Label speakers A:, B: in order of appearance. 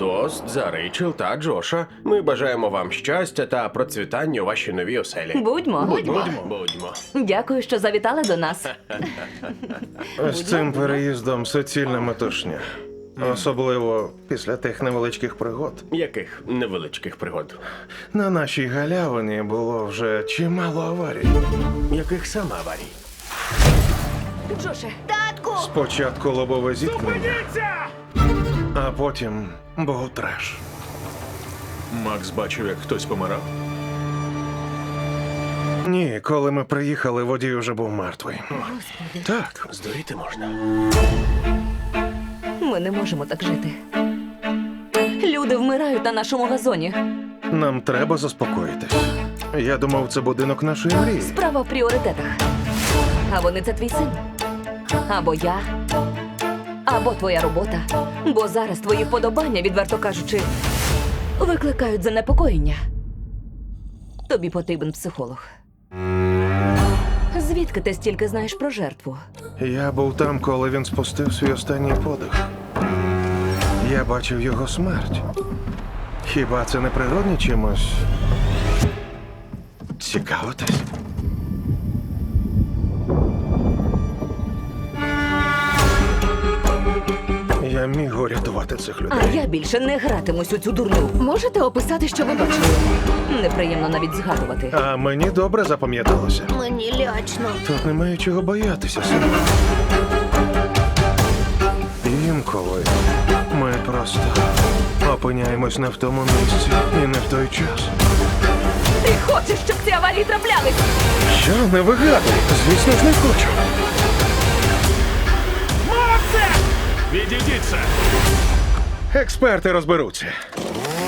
A: тост за Рейчел та Джоша. Ми бажаємо вам щастя та процвітання у вашій новій оселі.
B: Будьмо.
A: Будьмо.
B: Дякую, що завітали до нас.
C: З цим переїздом суцільна метушня. Особливо після тих невеличких пригод.
A: Яких невеличких пригод?
C: На нашій галявині було вже чимало аварій.
A: Яких саме аварій?
B: Джоше,
C: Спочатку лобове зіткнення, а потім був треш.
D: Макс бачив, як хтось помирав.
C: Ні, коли ми приїхали, водій уже був мертвий. Так,
A: Здуріти можна.
B: ми не можемо так жити. Люди вмирають на нашому газоні.
C: нам треба заспокоїтись. Я думав, це будинок нашої мрії.
B: Справа в пріоритетах. А вони це твій син. Або я. Або твоя робота. Бо зараз твої вподобання, відверто кажучи, викликають занепокоєння. Тобі потрібен психолог. Звідки ти стільки знаєш про жертву?
C: Я був там, коли він спустив свій останній подих. Я бачив його смерть. Хіба це не природні чимось? Цікавитись? Я міг урятувати цих
B: А
C: людей.
B: я більше не гратимусь у цю дурню.
E: Можете описати, що ви бачили?
B: Неприємно навіть згадувати.
C: А мені добре запам'яталося.
E: Мені лячно.
C: Тут немає чого боятися, сину. Інколи ми просто опиняємось не в тому місці і не в той час.
B: Ти хочеш, щоб ці аварії траплялись?
C: Що, не вигадуй? Звісно ж, не хочу.
D: Відійдіться!
C: Експерти розберуться.